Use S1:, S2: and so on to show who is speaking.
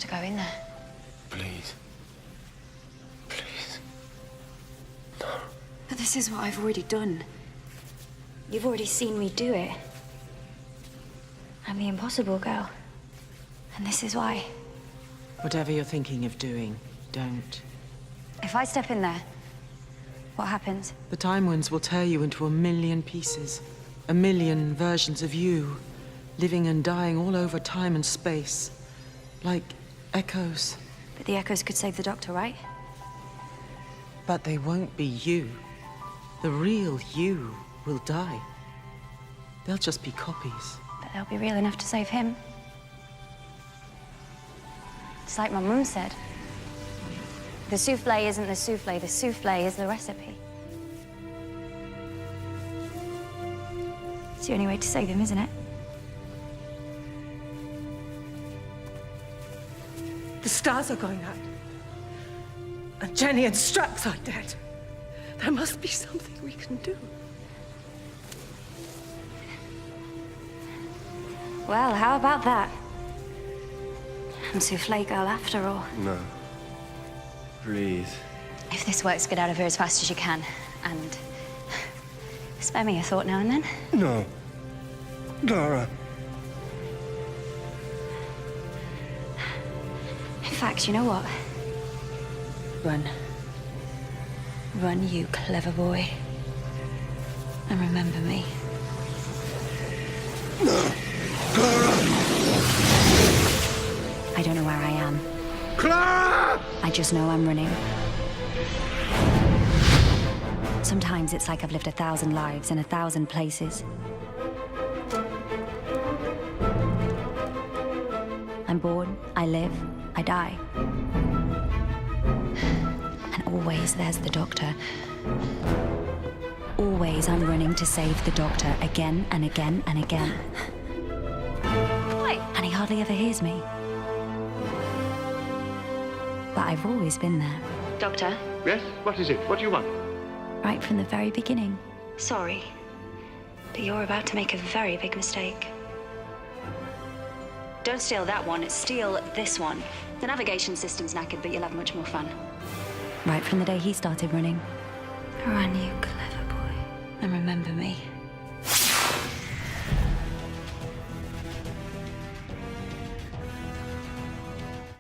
S1: to go in there.
S2: Please. Please. No.
S1: But this is what I've already done. You've already seen me do it. I'm the impossible girl. And this is why.
S3: Whatever you're thinking of doing, don't.
S1: If I step in there, what happens?
S3: The Time Winds will tear you into a million pieces. A million versions of you, living and dying all over time and space. Like echoes.
S1: But the echoes could save the Doctor, right?
S3: But they won't be you. The real you will die. They'll just be copies.
S1: But they'll be real enough to save him. It's like my mum said. The souffle isn't the souffle is the recipe. It's the only way to save him, isn't it?
S4: The stars are going out. And Jenny and Strax are dead. There must be something we can do.
S1: Well, how about that? I'm souffle girl after all.
S2: No. Please.
S1: If this works, get out of here as fast as you can. And spare me a thought now and then.
S2: No. Dara.
S1: In fact, you know what? Run. Run, you clever boy. And remember me.
S2: No. Clara!
S1: I don't know where I am.
S2: Clara!
S1: I just know I'm running. Sometimes it's like I've lived 1,000 lives in 1,000 places. I'm born, I live, I die. And always there's the Doctor. Always I'm running to save the Doctor again and again and again. Why? And he hardly ever hears me. But I've always been there. Doctor?
S5: Yes? What is it? What do you want?
S1: Right from the very beginning. Sorry, but you're about to make a very big mistake. Don't steal that one, steal this one. The navigation system's knackered, but you'll have much more fun. Right from the day he started running. Run, you clever boy. And remember me.